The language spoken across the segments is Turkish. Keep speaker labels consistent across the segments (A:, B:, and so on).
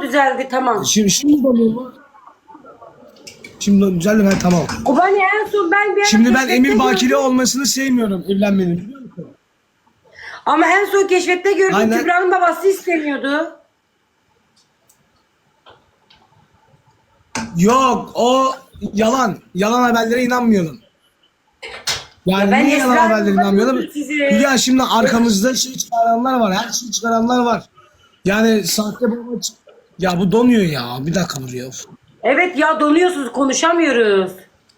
A: tamam düzeldi tamam.
B: Şimdi oluyor mu? Şimdi düzeldi ben tamam.
A: O bana en son ben bir ara
B: Şimdi ben
A: keşfette
B: Emir Bakire
A: gördüm.
B: olmasını sevmiyorum evlenmenin, biliyor musun?
A: Ama en son keşfette gördüm
B: Aynen.
A: Kübra'nın babası istemiyordu.
B: Yok o yalan. Yalan haberlere inanmıyorum. Yani
A: Ya ben
B: niye yalan
A: Esra'nın
B: haberlere inanmıyorum?
A: bakıyorum size.
B: Ya şimdi arkamızda şey çıkaranlar var. Her şeyi çıkaranlar var. Yani sahte baba ya bu donuyor ya. Bir dakika duruyor.
A: Evet ya donuyorsunuz konuşamıyoruz.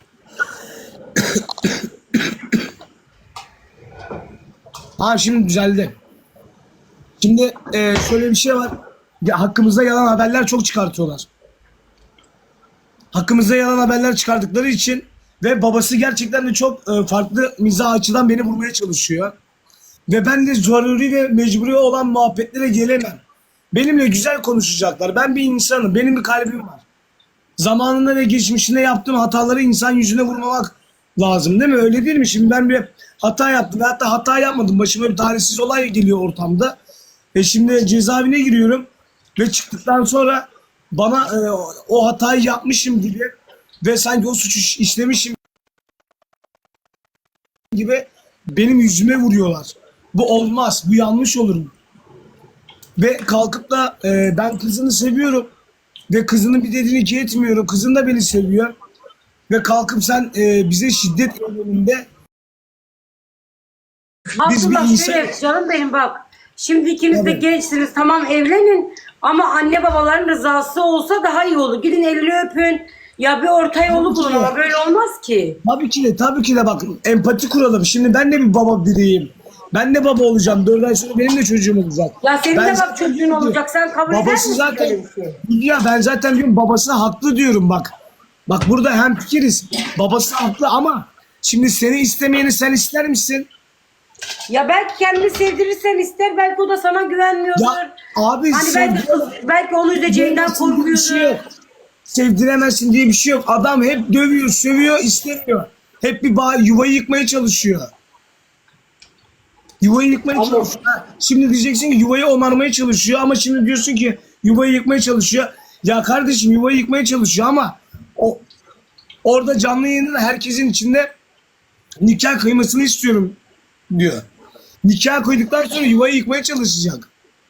B: Ha şimdi düzeldi. Şimdi şöyle bir şey var. Ya, hakkımızda yalan haberler çok çıkartıyorlar. Hakkımızda yalan haberler çıkardıkları için ve babası gerçekten de çok farklı mizah açıdan beni vurmaya çalışıyor. Ve ben de zaruri ve mecburi olan muhabbetlere gelemem. Benimle güzel konuşacaklar. Ben bir insanım. Benim bir kalbim var. Zamanında ve geçmişinde yaptığım hataları insan yüzüne vurmamak lazım değil mi? Öyle değil mi? Şimdi ben bir hata yaptım. Ve hatta hata yapmadım. Başıma bir talihsiz olay geliyor ortamda. Şimdi cezaevine giriyorum. Ve çıktıktan sonra bana o hatayı yapmışım gibi ve sanki o suçu işlemişim gibi benim yüzüme vuruyorlar. Bu olmaz. Bu yanlış olur. Ve kalkıp da ben kızını seviyorum. Ve kızının bir dediğini iki etmiyorum. Kızın da beni seviyor. Ve kalkıp sen bize şiddet eyleminde biz bir
A: Abdullah
B: insan...
A: şöyle canım benim bak. Şimdi ikiniz de
B: Evet.
A: gençsiniz tamam evlenin. Ama anne babaların rızası olsa daha iyi olur. Gidin elini öpün. Ya bir orta yolu bulun ama böyle olmaz ki.
B: Tabii ki de bak empati kuralım. Şimdi ben de bir baba biriyim. Ben de baba olacağım. 4 ay sonra benim de çocuğum olacak.
A: Ya senin
B: Ben
A: de bak
B: zaten
A: çocuğun
B: diyorum ki,
A: olacak. Sen kabul eder
B: babası
A: misin
B: zaten
A: böyle bir şey?
B: ya ben zaten diyorum babasına haklı diyorum bak. Bak burada hemfikiriz. Babası haklı ama şimdi seni istemeyeni sen ister misin?
A: Ya belki kendini sevdirirsen ister. Belki o da sana güvenmiyordur.
B: Ya abi
A: Hani belki onu üzeceğinden
B: bir şey yok.
A: korkuyordur.
B: Sevdiremezsin diye bir şey yok. Adam hep dövüyor, sövüyor, istemiyor. Hep bir yuvayı yıkmaya çalışıyor. Yuvayı yıkmaya
A: Ama-
B: çalışıyor. Ha, şimdi diyeceksin ki yuvayı onarmaya çalışıyor ama şimdi diyorsun ki yuvayı yıkmaya çalışıyor. Ya kardeşim yuvayı yıkmaya çalışıyor ama orada canlı yayında herkesin içinde nikah kıymasını istiyorum diyor. Nikah koyduktan sonra yuvayı yıkmaya çalışacak.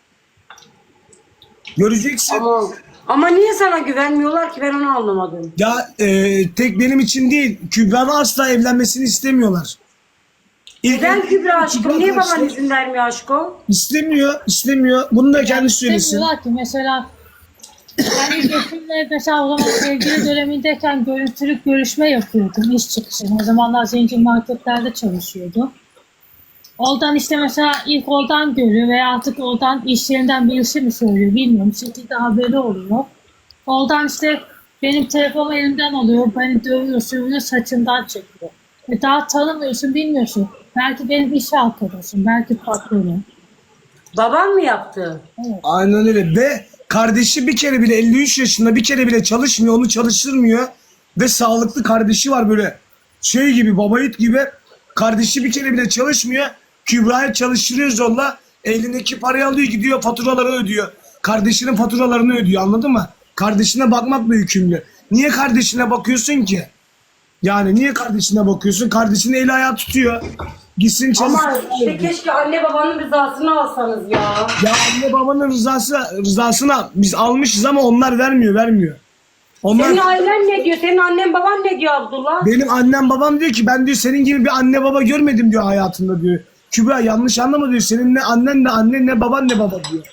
B: Göreceksin.
A: Ama niye sana güvenmiyorlar ki ben onu anlamadım.
B: Ya tek benim için değil. Kübra'nın asla evlenmesini istemiyorlar.
A: Neden Kübra aşkım? Niye baban
B: kardeşler
A: izin vermiyor aşkım?
B: istemiyor. Bunu da kendi söylesin.
C: İstemiyorlar ki mesela ben eşimle mesela o zaman sevgili dönemindeyken görüntülü görüşme yapıyordum iş çıkışı. O zamanlar zincir marketlerde çalışıyordum. Oradan işte mesela ilk oradan görüyor veya artık oradan iş yerinden birisi mi söylüyor bilmiyorum. Bir şekilde haberi oluyor. Oradan işte benim telefonumu elimden alıyor, beni dövüyor, sövüyor, saçımdan çekiyor. Daha tanımıyorsun, bilmiyorsun. Belki benim iş arkadaşım, belki patronum.
A: Baban mı yaptı?
B: Aynen öyle. Ve kardeşi bir kere bile 53 yaşında bir kere bile çalışmıyor. Onu çalıştırmıyor. Ve sağlıklı kardeşi var böyle. Şey gibi baba yiğit gibi. Kardeşi bir kere bile çalışmıyor. Kübra'yı çalıştırıyor zorla. Elindeki parayı alıyor gidiyor faturaları ödüyor. Kardeşinin faturalarını ödüyor anladın mı? Kardeşine bakmakla yükümlü. Niye kardeşine bakıyorsun ki? Yani niye kardeşine bakıyorsun? Kardeşinin eli ayağı tutuyor. Gitsin çalışsın.
A: Ama işte keşke anne babanın rızasını alsanız ya.
B: Ya anne babanın rızasına biz almışız ama onlar vermiyor. Onlar
A: Senin ailen ne diyor? Senin annen baban ne diyor Abdullah?
B: benim annem babam diyor ki ben diyor senin gibi bir anne baba görmedim diyor hayatımda diyor. Kübra yanlış anlama diyor. Senin ne annen ne annen ne baban ne baba diyor.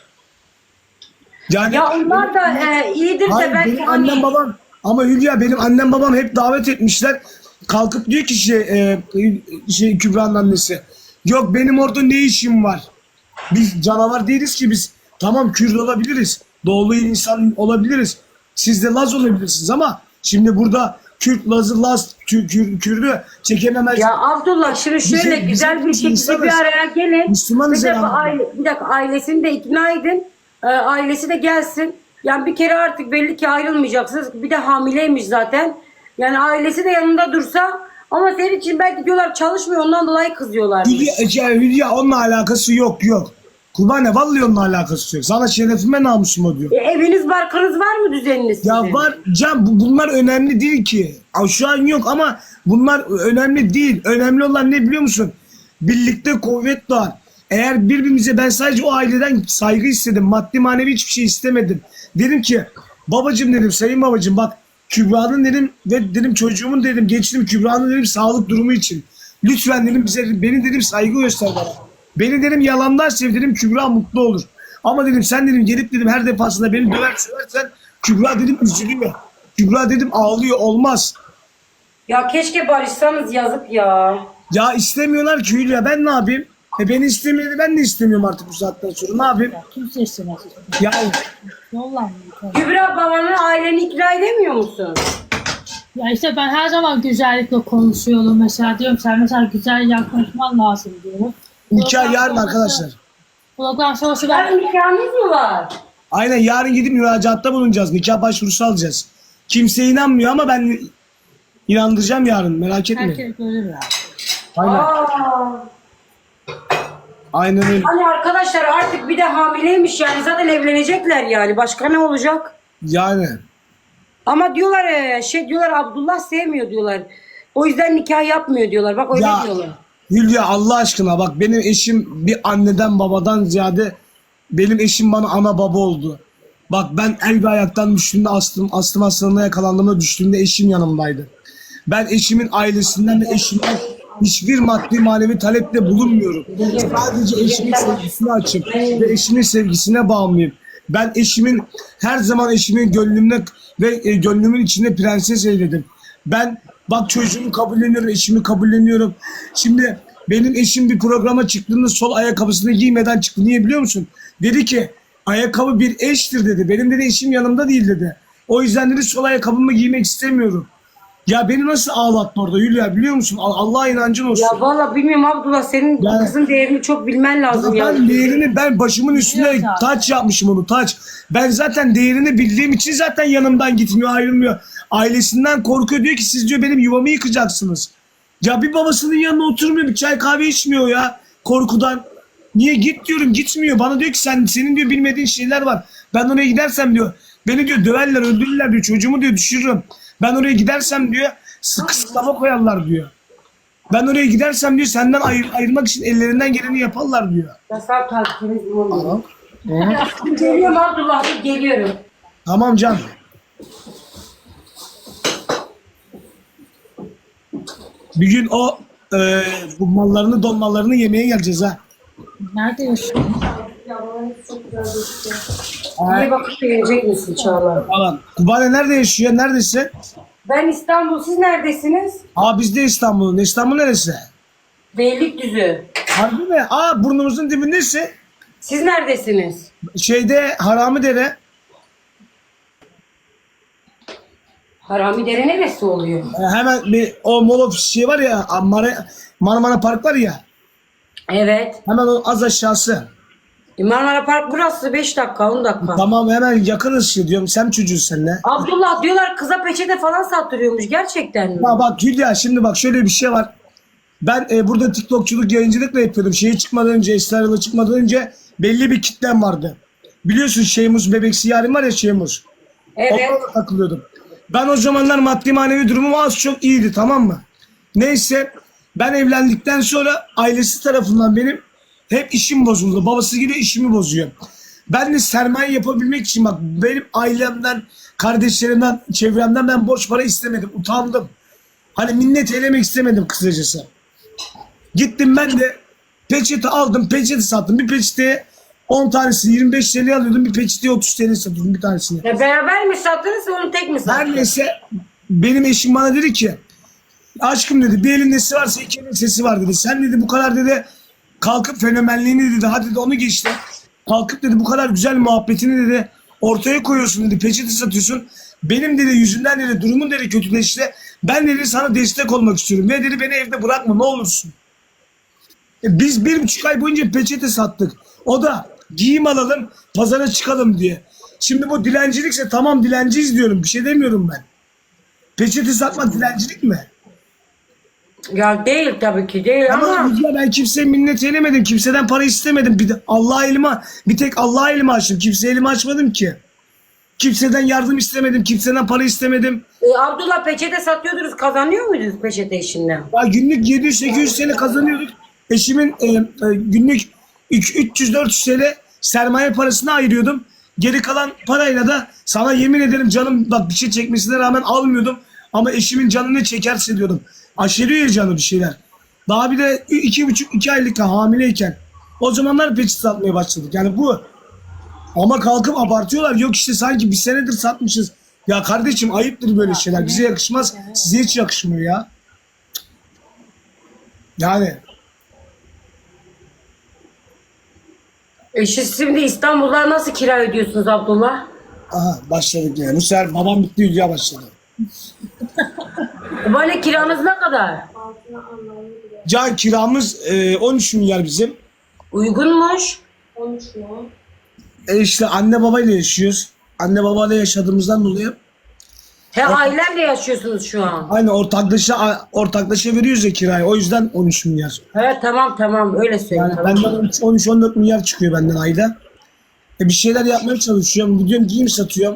B: Yani
A: Ya onlar da iyidir de
B: hayır,
A: belki
B: benim
A: hani...
B: annem babam ama Hülya benim annem babam hep davet etmişler. Kalkıp diyor ki Kübra'nın annesi. Yok benim orada ne işim var? Biz canavar değiliz ki biz. Tamam Kürt olabiliriz. Doğulu insan olabiliriz. Siz de Laz olabilirsiniz ama şimdi burada Kürt, Laz'ı, Laz, Kürt'ü çekememez.
A: Ya Abdullah şimdi şöyle güzel bir şekilde
B: insanız.
A: bir araya gelin.
B: Müslümanız
A: Bir dakika,
B: yani.
A: bir dakika ailesini de ikna edin. Ailesi de gelsin. Yani bir kere artık belli ki ayrılmayacaksınız. Bir de hamileymiş zaten. Yani ailesi de yanında dursa ama senin için belki diyorlar çalışmıyor ondan dolayı kızıyorlar.
B: Hülya onunla alakası yok. Kurbane vallahi onunla alakası yok. Sana şerefime namusuma diyor.
A: Eviniz barkınız var mı düzeniniz sizin?
B: Ya var Can, bunlar önemli değil ki. Şu an yok ama bunlar önemli değil. Önemli olan ne biliyor musun? Birlikte kuvvet doğar. Eğer birbirimize, ben sadece o aileden saygı istedim. Maddi manevi hiçbir şey istemedim. Dedim ki babacım, dedim, sayın babacım, bak Kübra'nın dedim ve dedim çocuğumun dedim, geçtim Kübra'nın dedim sağlık durumu için. Lütfen dedim bize, beni dedim saygı göster bana. Beni dedim yalandan sev dedim, Kübra mutlu olur. Ama dedim sen dedim gelip dedim her defasında beni döver söversen Kübra dedim üzülüyor. Kübra dedim ağlıyor, olmaz.
A: Ya keşke barışsanız, yazık ya.
B: Ya istemiyorlar ki Hülya, ben ne yapayım? Beni istemiyordu, ben de istemiyorum artık bu saatten sonra, ne yapayım?
C: Ya kimse istemez.
B: Ya
C: Yollanmıyor.
A: Kübra, babanı, aileni ikna edemiyor musun?
C: Ya işte ben her zaman güzellikle konuşuyorum mesela, diyorum sen mesela güzel yaklaşman lazım diyorum.
B: nikah yarın arkadaşlar.
C: Program sonrası ben
A: Yarın nikahınız mı var?
B: Aynen, yarın gidip müracaatta bulunacağız. Nikah başvurusu alacağız. Kimse inanmıyor ama ben inandıracağım yarın, merak etme.
C: herkes görür ya.
B: Aynen.
A: Aa.
B: Aynen öyle.
A: Hani arkadaşlar artık bir de hamileymiş yani, zaten evlenecekler yani, başka ne olacak?
B: Yani.
A: Ama diyorlar diyorlar Abdullah sevmiyor diyorlar. O yüzden nikah yapmıyor diyorlar. Bak öyle
B: Ya
A: diyorlar.
B: Hülya, Allah aşkına bak, benim eşim bir anneden babadan ziyade, benim eşim bana ana baba oldu. Bak ben el ve ayaktan düştüğümde, astım hastalığına yakalandığımda düştüğümde eşim yanımdaydı. Ben eşimin ailesinden ve eşimden hiçbir maddi manevi talepte bulunmuyorum. Sadece eşimin sevgisine açım ve eşimin sevgisine bağımlıyım. Ben eşimin, her zaman eşimin gönlümde ve gönlümün içinde prenses eyledim. Ben bak çocuğumu kabulleniyorum, eşimi kabulleniyorum. Şimdi benim eşim bir programa çıktığında sol ayakkabısını giymeden çıktı. Niye biliyor musun? Dedi ki ayakkabı bir eştir dedi. Benim dedi eşim yanımda değil dedi. O yüzden dedi sol ayakkabımı giymek istemiyorum. Ya beni nasıl ağlattı orada Hülya, biliyor musun? Allah'a inancın olsun.
A: Ya valla bilmiyorum Abdullah, senin
B: Yani-
A: kızın değerini çok bilmen lazım
B: Ya
A: ya.
B: ben değerini, ben başımın üstüne
C: Biliyorum zaten.
B: taç yapmışım onu, taç. Ben zaten değerini bildiğim için zaten yanımdan gitmiyor, ayrılmıyor. Ailesinden korkuyor, diyor ki siz diyor benim yuvamı yıkacaksınız. Ya bir babasının yanına oturmuyor, bir çay kahve içmiyor ya korkudan. Niye git diyorum, gitmiyor. Bana diyor ki senin diyor bilmediğin şeyler var. Ben oraya gidersem diyor beni diyor döverler, öldürürler diyor, çocuğumu diyor düşürürüm. Ben oraya gidersem diyor kısıtlama koyarlar diyor. Ben oraya gidersem diyor senden ayırmak için ellerinden geleni yaparlar diyor.
A: Ya sağ takipiniz mi oluyor? Geliyorum Abdullah, dur geliyorum.
B: Tamam Can. Bir gün o bu mallarını, donmalarını yemeye geleceğiz ha.
C: Nerede yaşıyorsun?
A: Niye bakıp gelecek misin Çağla?
B: Falan. Kubane nerede yaşıyor? Neredesin?
A: Ben İstanbul, siz neredesiniz?
B: Aa biz de İstanbul'un. İstanbul neresi?
A: Beylikdüzü.
B: Harbi mi? Aa burnumuzun dibindesin.
A: Siz neredesiniz?
B: Şeyde Haramidere.
A: Haramidere neresi oluyor?
B: Hemen bir o mall ofis şey var ya, Marmara Park var ya.
A: Evet.
B: Hemen o az aşağısı.
A: Marmara Park burası, 5 dakika 10 dakika.
B: Tamam, hemen yakınız şey diyorum. Sen mi çocuğuz seninle?
A: Abdullah diyorlar kıza peçete falan sattırıyormuş, gerçekten mi?
B: Ya bak Hülya, şimdi bak şöyle bir şey var. Ben burada TikTokçuluk, yayıncılıkla yapıyordum. Şeye çıkmadan önce, Esra Erol'a çıkmadan önce belli bir kitlem vardı. Biliyorsun Şeymus Bebeksi yarim var ya, Şeymus.
A: Evet.
B: Onlarla takılıyordum. Ben o zamanlar maddi manevi durumum az çok iyiydi, tamam mı? Neyse ben evlendikten sonra ailesi tarafından benim hep işim bozuldu. Babası gibi işimi bozuyor. Ben de sermaye yapabilmek için bak benim ailemden, kardeşlerimden, çevremden ben borç para istemedim. Utandım. Hani minnet eylemek istemedim kısacası. Gittim ben de peçete aldım, peçete sattım. Bir peçeteye 10 tanesini 25 TL alıyordum. Bir peçeteye 30 TL satıyordum bir tanesini.
A: Ya beraber mi sattınız, onu tek mi sattınız?
B: Her neyse benim eşim bana dedi ki aşkım dedi bir elin nesi varsa iki elin sesi var dedi. Sen dedi bu kadar dedi kalkıp fenomenliğini dedi, hadi dedi onu geçti. Kalkıp dedi bu kadar güzel muhabbetini dedi ortaya koyuyorsun dedi, peçete satıyorsun. Benim dedi yüzünden dedi durumun dedi kötüleşti. Ben dedi sana destek olmak istiyorum. Ve dedi beni evde bırakma ne olursun. Biz 1,5 ay boyunca peçete sattık. O da giyim alalım pazara çıkalım diye. Şimdi bu dilencilikse tamam dilenciyiz diyorum. Bir şey demiyorum ben. Peçete satmak dilencilik mi?
A: Ya değil tabii ki değil
B: Ama
A: ama
B: Hülya, ben kimseye minnet eylemedim. Kimseden para istemedim. Bir tek Allah'a elimi açtım. Kimseye elimi açmadım ki. Kimseden yardım istemedim. Kimseden para istemedim.
A: Abdullah peçete satıyordunuz, kazanıyor muydunuz peçete işinden?
B: Ya günlük 700-800 TL kazanıyorduk. Eşimin günlük 300-400 TL sermaye parasını ayırıyordum. Geri kalan parayla da sana yemin ederim canım, bak bir şey çekmesine rağmen almıyordum. Ama eşimin canı ne çekerse diyordum. Aşeriyor ya canı bir şeyler. Daha bir de 2,5-2 aylık hamileyken o zamanlar peçete satmaya başladık. Yani bu. Ama kalkıp abartıyorlar. Yok işte sanki bir senedir satmışız. Ya kardeşim ayıptır böyle şeyler. Bize yakışmaz. Size hiç yakışmıyor ya. Yani
A: Siz şimdi İstanbul'da nasıl kira ödüyorsunuz Abdullah?
B: aha başladık yani. Bu sefer babam bitti, Hülya başladı.
A: Böyle kiranız ne kadar?
B: Can kiramız 13 milyar bizim.
A: Uygunmuş.
B: İşte anne babayla yaşıyoruz. Anne babayla yaşadığımızdan dolayı
A: He, ailemle yaşıyorsunuz şu an.
B: aynı ortaklaşa veriyoruz ya kirayı. O yüzden 13 milyar.
A: He, tamam öyle söyle.
B: Yani
A: Tamam.
B: benden 13-14 milyar çıkıyor benden ayda. Bir şeyler yapmaya çalışıyorum. Gidiyorum giyim satıyorum.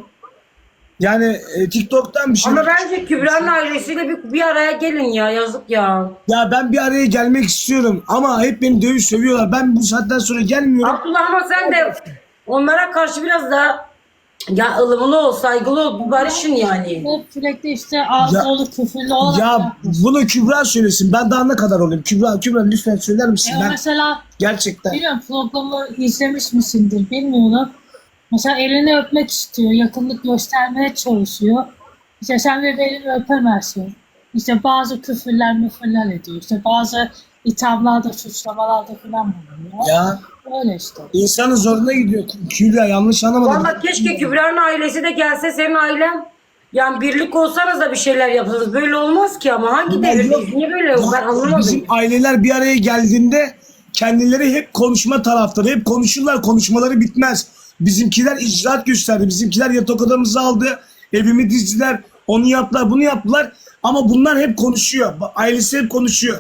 B: Yani TikTok'tan bir şey.
A: Ama bence Kübra'nın ailesiyle bir araya gelin ya, yazık ya.
B: Ya ben bir araya gelmek istiyorum ama hep beni dövüş sövüyorlar. Ben bu saatten sonra gelmiyorum.
A: Abdullah ama sen de onlara karşı biraz daha ya ılımlı ol, saygılı ol, bir barışın yani.
C: Hep sürekli işte ağzı
B: Ya-
C: dolu küfürlü olarak
B: Ya
C: yapmış.
B: bunu Kübra söylesin. Ben daha ne kadar olayım? Kübra lütfen söyler misin? Ben
C: Mesela
B: gerçekten.
C: bilmiyorum, programı izlemiş misindir bilmiyorum. Mesela elini öpmek istiyor, yakınlık göstermeye çalışıyor. İşte sen de elini öpemezsin. İşte bazı küfürler müfürler ediyor. İşte bazı ithamlarda, suçlamalarda falan bulunuyor.
B: Ya
C: Öyle işte.
B: insanın zoruna gidiyor. Kübra yanlış anlamadım.
A: Vallahi keşke Kübra'nın ailesi de gelse, senin ailen. Yani birlik olsanız da bir şeyler yapsanız. Böyle olmaz ki ama hangi
B: Ya yok.
A: devirdeyiz? Niye böyle yok? Ben anlamadım.
B: Bizim aileler bir araya geldiğinde kendileri hep konuşma taraftarı. Hep konuşurlar. Konuşmaları bitmez. Bizimkiler icraat gösterdi. Bizimkiler yatak odamızı aldı. Evimi dizdiler. Onu yaptılar, bunu yaptılar. Ama bunlar hep konuşuyor. Ailesi hep konuşuyor.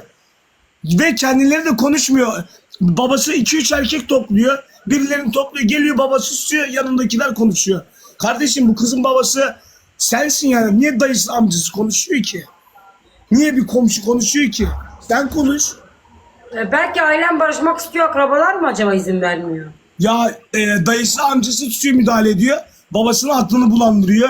B: Ve kendileri de konuşmuyor. Babası 2-3 erkek topluyor. Birilerini topluyor. Geliyor babası susuyor. Yanındakiler konuşuyor. Kardeşim bu kızın babası sensin yani. Niye dayısı amcası konuşuyor ki? Niye bir komşu konuşuyor ki? Sen konuş.
A: Belki ailen barışmak istiyor, akrabalar mı acaba izin vermiyor?
B: Ya dayısı amcası tutuyor, müdahale ediyor. Babasının aklını bulandırıyor.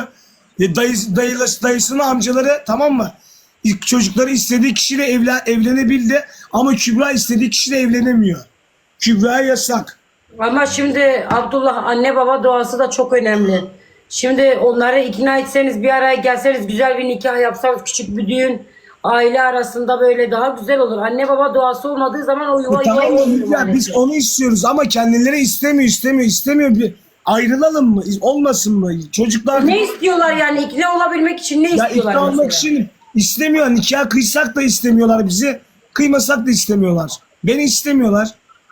B: Dayısının amcaları, tamam mı? Çocukları istediği kişiyle evlenebildi. Ama Kübra istediği kişiyle evlenemiyor. Kübra'ya yasak.
A: Ama şimdi Abdullah, anne baba duası da çok önemli. Şimdi onları ikna etseniz, bir araya gelseniz, güzel bir nikah yapsanız, küçük bir düğün, aile arasında böyle daha güzel olur. Anne baba duası olmadığı zaman o yuva
B: Tamam mı
A: olmuyor
B: Hülya? Biz
A: maalesef.
B: onu istiyoruz ama kendileri istemiyor. Bir ayrılalım mı? Olmasın mı? Çocuklar
A: Ne istiyorlar yani, ikna olabilmek için ne
B: ya
A: istiyorlar
B: ikna olmak
A: mesela?
B: için istemiyor. Nikah kıysak da istemiyorlar bizi. Kıymasak da istemiyorlar. Beni istemiyorlar.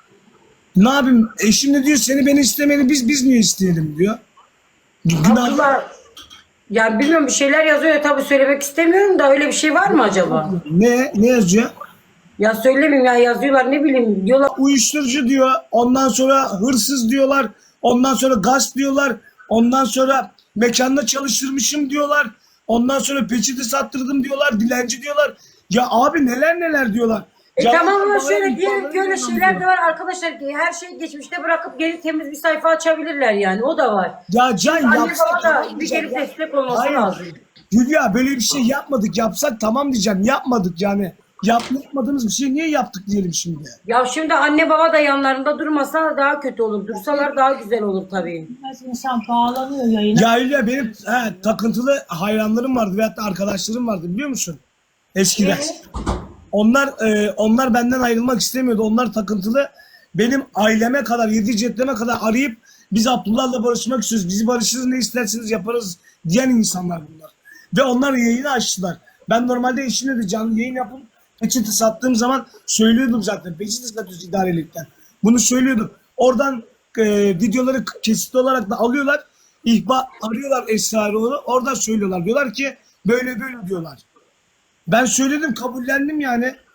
B: Ne yapayım? Eşim de diyor seni, beni istemedi, biz niye isteyelim diyor. Günah.
A: Abdullah, yani bilmiyorum, bir şeyler yazıyor tabii, söylemek istemiyorum da öyle bir şey var mı acaba?
B: Ne yazıyor?
A: Ya söylemeyeyim ya, yazıyorlar, ne bileyim diyorlar.
B: Uyuşturucu diyor. Ondan sonra hırsız diyorlar. Ondan sonra gasp diyorlar. Ondan sonra mekanda çalıştırmışım diyorlar. Ondan sonra peçete sattırdım diyorlar. Dilenci diyorlar. Ya abi neler diyorlar. Ya
A: Tamam ama
B: bana
A: şöyle diyelim ki öyle
B: ihbarları
A: şeyler de
B: diyor.
A: var arkadaşlar, ki her şeyi geçmişte bırakıp geri temiz bir sayfa açabilirler yani, o da var.
B: Ya Can
A: Anne
B: yapsak
A: baba
B: tamam
A: da bir
B: diyeceğim
A: gelip
B: ya.
A: destek olması
B: Hayır.
A: lazım.
B: Hülya böyle bir şey yapmadık. Yapsak tamam diyeceğim. Yapmadık yani. Yapmadığımız bir şey niye yaptık diyelim şimdi.
A: Ya şimdi anne baba da yanlarında durmasa daha kötü olur. Dursalar daha güzel olur tabii.
C: Biraz insan bağlanıyor yayına.
B: Ya Hülya benim takıntılı hayranlarım vardı veyahut da arkadaşlarım vardı biliyor musun? Eskiden. Onlar benden ayrılmak istemiyordu. Onlar takıntılı. Benim aileme kadar, 7 cetleme kadar arayıp biz Abdullah'la barışmak istiyoruz. Bizi barışırız, ne isterseniz yaparız diyen insanlar bunlar. Ve onlar yayını açtılar. Ben normalde eşimle de canlı yayın yapıp peçete sattığım zaman söylüyordum zaten. Peçete satıyoruz idarelikten. Bunu söylüyordum. Oradan videoları kesitli olarak da alıyorlar. Arıyorlar Esrarol'u. Oradan söylüyorlar. Diyorlar ki böyle diyorlar. Ben söyledim, kabullendim yani.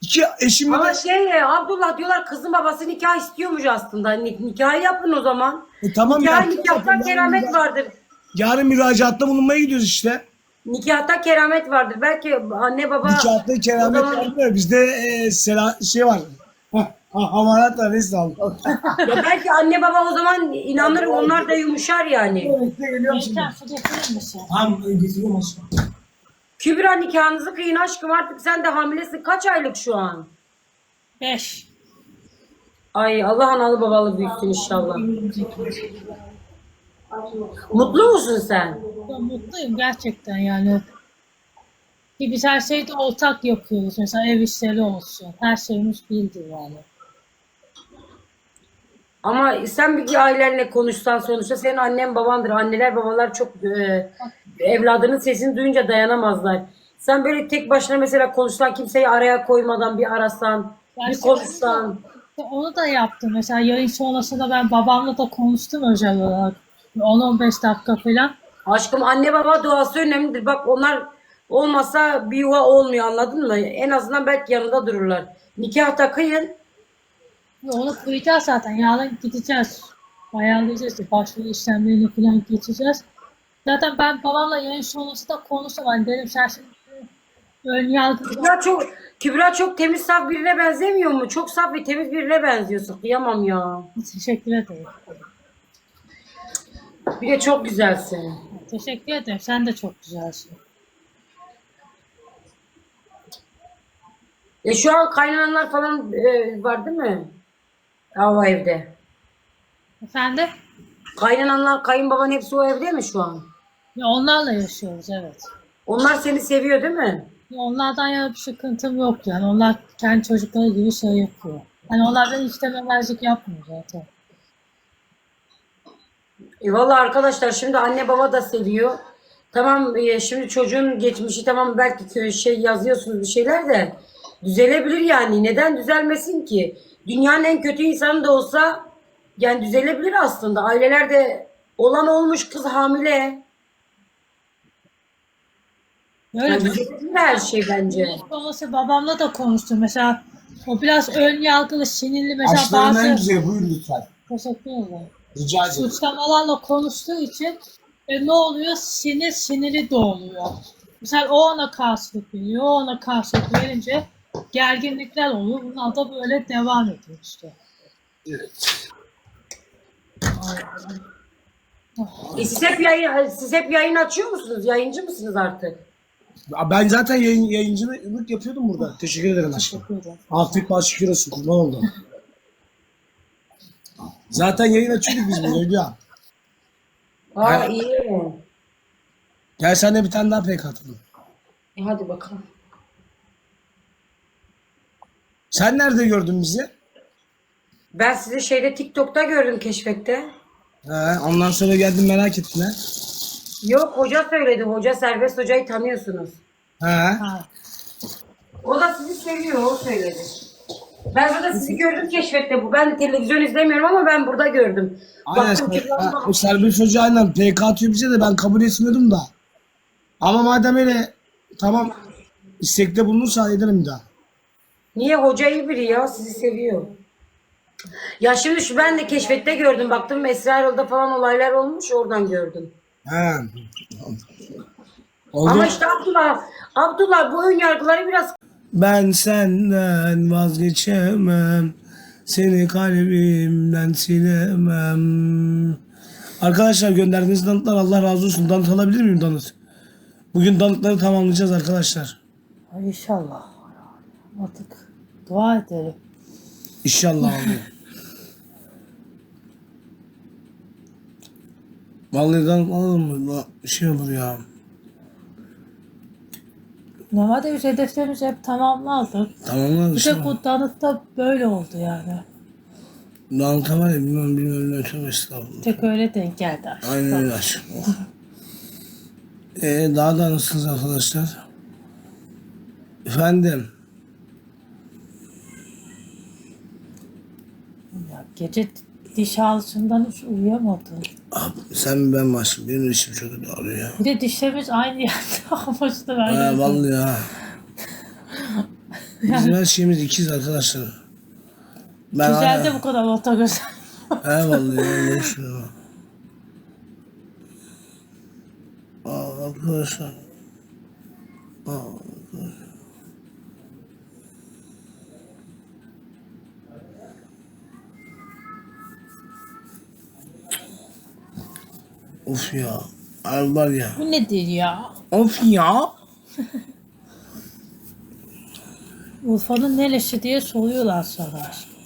B: İki eşimle
A: Ama
B: de
A: Abdullah diyorlar kızın babası nikah istiyormuş aslında. Nikahı yapın o zaman.
B: tamam
A: Nikah,
B: ya.
A: nikahta keramet vardır.
B: Yarın müracaatta bulunmaya gidiyoruz işte.
A: Nikahta keramet vardır. Belki anne baba
B: Nikahta
A: o
B: keramet
A: zaman-
B: var mı? Bizde şey var. Hamarat var neyse Allah.
A: Ya belki anne baba o zaman inanır, onlar da yumuşar yani.
B: Geliyorum şimdi.
C: Geçen su getirir misin?
B: Tamam getiriyorum aşkım.
A: Kübra nikahınızı kıyın aşkım, artık sen de hamilesin. Kaç aylık şu an?
C: 5.
A: Ay Allah analı babalı büyüksün inşallah. Mutlu musun sen?
C: Mutluyum gerçekten yani. Ki biz her şeyi de ortak yapıyoruz. Mesela ev işleri olsun. Her şeyimiz bildi yani.
A: Ama sen bir ailenle konuşsan, sonuçta senin annen babandır. Anneler babalar çok evladının sesini duyunca dayanamazlar. Sen böyle tek başına mesela konuşsan, kimseyi araya koymadan bir arasan, bir
C: Gerçekten
A: konuşsan.
C: onu da yaptım. Mesela yayın sonrasında ben babamla da konuştum özel olarak. 10-15 dakika falan.
A: Aşkım anne baba duası önemlidir. Bak onlar olmasa bir yuva olmuyor, anladın mı? En azından belki yanında dururlar. Nikah da kıyın.
C: Onu kıyacağız zaten. Yarın gideceğiz. Ayarlayacağız. Başvuru işlemlerini falan geçeceğiz. Zaten ben babamla yayın sonrası da konuştum. Hani dedim sen şimdi ön yargı
A: Kübra çok temiz, saf birine benzemiyor mu? Çok saf ve temiz birine benziyorsun. Kıyamam ya.
C: teşekkür ederim.
A: Bir de çok güzelsin.
C: Teşekkür ederim. Sen de çok güzelsin.
A: Şu an kaynananlar falan var değil mi? O evde.
C: Efendim?
A: Kaynananlar, kayınbaban hepsi o evde mi şu an?
C: Ya onlarla yaşıyoruz evet.
A: Onlar seni seviyor değil mi?
C: Ya onlardan yana bir sıkıntım yok yani. Onlar kendi çocukları gibi şey yapıyor. Hani onlardan hiç dememezlik yapmıyor zaten.
A: Valla arkadaşlar, şimdi anne baba da seviyor. Tamam, şimdi çocuğun geçmişi tamam, belki yazıyorsunuz bir şeyler de düzelebilir yani. Neden düzelmesin ki? Dünyanın en kötü insanı da olsa yani düzelebilir aslında. Ailelerde olan olmuş, kız hamile.
C: Öyle
A: Yani düzelebilir her şey bence.
C: Babası babamla da konuştum. Mesela o biraz ön yargılı, sinirli mesela
B: Aşklarım en
C: bazı
B: güzel buyur lütfen.
C: teşekkür ederim.
B: Rica ederim.
C: Suçlamalarla konuştuğu için ne oluyor? Siniri doğuyor. Mesela o ona karşılık veriyor, o ona karşılık verince gerginlikler oluyor. Bunlar da böyle devam ediyor işte.
B: Evet.
A: Siz hep yayın açıyor musunuz? Yayıncı mısınız artık?
B: Ben zaten yayıncılık yapıyordum burada. Teşekkür ederim aşkım.
C: Teşekkür ederim.
B: Afiyet bal şükür olsun. Kurban oldu. Zaten yayın açıyorduk biz burada Hülya.
A: Aa iyi.
B: Gel sen de bir tane daha pek atalım.
A: Hadi bakalım.
B: Sen nerede gördün bizi?
A: Ben sizi TikTok'ta gördüm, keşfette.
B: Ondan sonra geldim merak ettim ha.
A: Yok, hoca söyledi. Hoca, Serbest Hoca'yı tanıyorsunuz.
C: Ha.
A: O da sizi seviyor, o söyledi. Ben burada sizi gördüm keşfette bu. Ben televizyon izlemiyorum ama ben burada gördüm.
B: Aynen.
A: Baktım ki
B: O serbest hoca aynen PK atıyor bize de ben kabul etmiyordum da. Ama madem öyle tamam istekte bulunursa ederim bir daha.
A: niye, hoca iyi biri ya, sizi seviyor. Ya şimdi ben de keşfette gördüm. Baktım Esra Erol'da falan olaylar olmuş, oradan gördüm.
B: He. Oldu.
A: Ama işte Abdullah bu ön yargıları biraz.
B: Ben senden vazgeçemem. Seni kalbimden silemem. Arkadaşlar gönderdiğiniz danıtlar Allah razı olsun. Danıt alabilir miyim danıt? Bugün danıtları tamamlayacağız arkadaşlar.
C: Ay İnşallah. Artık dua edelim.
B: İnşallah abi. Vallahi danıt alalım mı? Bir şey olur ya.
C: Normalde biz hedeflerimizi hep tamamlardık.
B: Tamamlar
C: Bir de bu danıtta böyle oldu yani.
B: Danıt var ya bilmem ne tövbe estağfurullah.
C: Tek öyle denk geldi aslında.
B: Aynen öyle aşkım. Daha da nasılsınız arkadaşlar? Efendim.
C: Ya gece diş ağrısından hiç uyuyamadım.
B: Abi, sen mi ben mi aşkım? Benim işim çok kötü ağrıyor ya.
C: Bir de dişlerimiz aynı yerde. Ama işte ben
B: Vallahi ya. Bizim her şeyimiz ikiz arkadaşlar. Ben
C: Güzel de bu kadar orta göz.
B: vallahi öyle düşünüyorum. Arkadaşlar. Of ya. Ay var ya.
C: Bu nedir ya?
B: Of ya.
C: Urfa'nın neresi diye soruyorlar sana.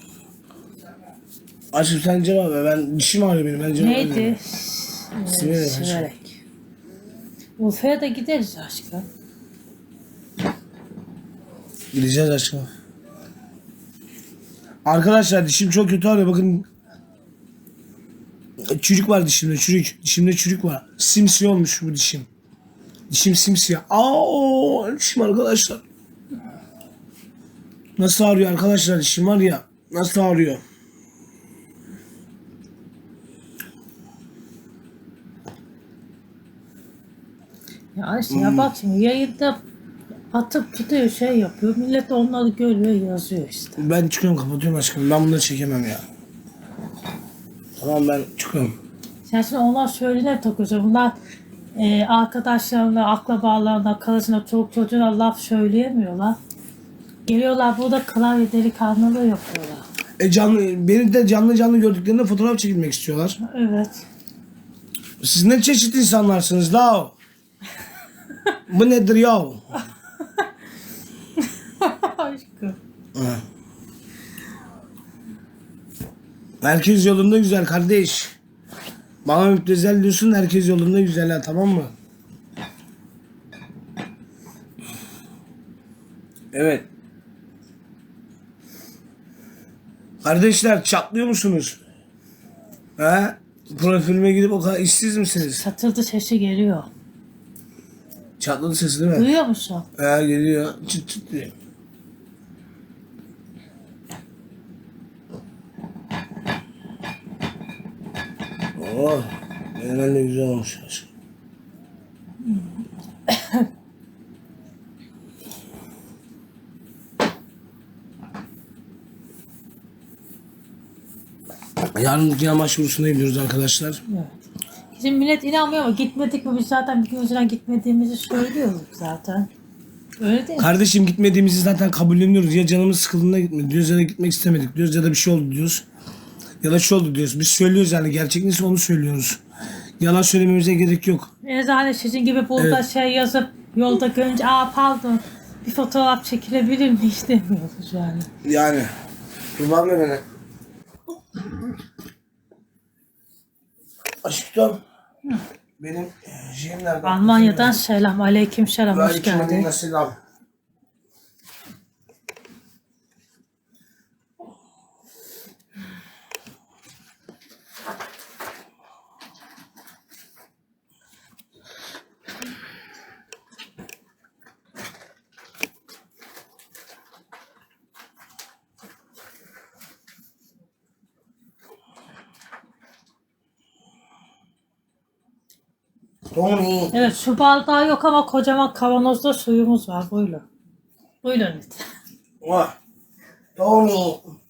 B: Aşkım sen cevap ver. Ben dişim ağrıyor benim. Ben cevap
C: Neydi?
B: vermiyorum. Siverek.
C: Siverek. Urfa'ya da gideriz aşkım.
B: Gideceğiz aşkım. Arkadaşlar dişim çok kötü ağrıyor. Bakın. Çürük var dişimde. Çürük. Dişimde çürük var. Simsiyah olmuş bu dişim. Dişim simsiyah. Dişim arkadaşlar. Nasıl ağrıyor arkadaşlar dişim var ya. Nasıl ağrıyor.
C: Ya işte ya bak şimdi yayında atıp tutuyor şey yapıyor. Millet onları görüyor yazıyor işte.
B: Ben çıkıyorum kapatıyorum aşkım. Ben bunları çekemem ya. Tamam ben çıkıyorum.
C: Sen şimdi onlar söylene takıyorsun. Bunlar arkadaşlarına, akrabalarına, karısına, çoluk çocuğuna laf söyleyemiyorlar. Geliyorlar burada klavye delikanlılığı yapıyorlar.
B: Beni de canlı gördüklerinde fotoğraf çekilmek istiyorlar.
C: Evet.
B: Siz ne çeşit insanlarsınız la? Bu nedir ya?
C: Aşkım.
B: Herkes yolunda güzel kardeş. Bana müptezel diyorsun, herkes yolunda güzel ha, tamam mı? Evet. Kardeşler çatlıyor musunuz? He? Profilime gidip o kadar işsiz misiniz?
C: Satıldı sesi geliyor.
B: Çatladı sesi değil mi?
C: Duyuyor musun?
B: He geliyor. Çıt çıt diyor. Oh, menemen de güzel olmuş aşkım. Yarın yine maç bursuna gidiyoruz arkadaşlar.
C: Evet. Bizim millet inanmıyor ama gitmedik mi biz zaten bir gün önceden gitmediğimizi söylüyoruz zaten. Öyle değil mi?
B: Kardeşim gitmediğimizi zaten kabulleniyoruz. Ya canımız sıkıldığında gitmedik diyoruz ya da gitmek istemedik diyoruz ya da bir şey oldu diyoruz. Ya da şey oldu diyoruz. Biz söylüyoruz yani gerçek neyse onu söylüyoruz. Yalan söylememize gerek yok.
C: Eczane sizin gibi burada
B: Evet.
C: şey yazıp yolda görünce pardon bir fotoğraf çekilebilir mi istemiyoruz yani.
B: Yani. Kurban ver beni. Aşkım. Benim şeyim nerede?
C: Almanya'dan selam. Aleyküm selam. Hoş geldin.
B: Selam. Tony.
C: Evet su bardağı yok ama kocaman kavanozda suyumuz var. Buyurun. Buyurun lütfen.
B: Oh. Tony.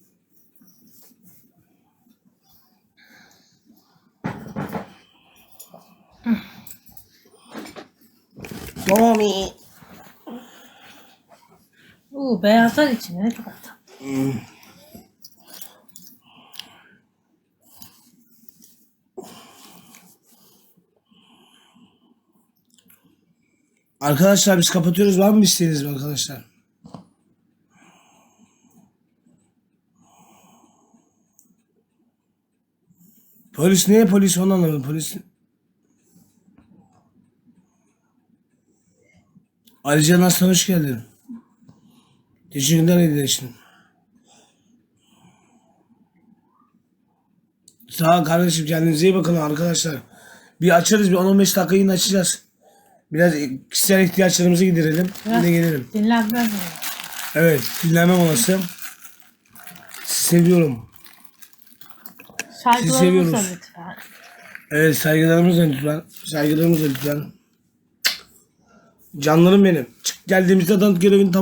B: Tony.
C: Beyazlar içine ne kadar tatlı.
B: Arkadaşlar biz kapatıyoruz. Var mı bir isteğiniz mi arkadaşlar? Polis niye polis onu anlamadım. Polis. Alican Aslan hoş geldin. Teşekkürler hediye için. Sağ ol kardeşim, kendinize iyi bakın arkadaşlar. Bir açarız, bir 10-15 dakika yine açacağız. Biraz kişisel ihtiyaçlarımızı giderelim. Yine gelelim.
C: Dinlenmem mi?
B: Evet, dinlenme molası. Sizi seviyorum.
C: Saygılarımızla
B: seviyoruz.
C: lütfen.
B: Evet, saygılarımızla lütfen. Saygılarımızla lütfen. Canlarım benim. Çık geldiğimizde adam görevini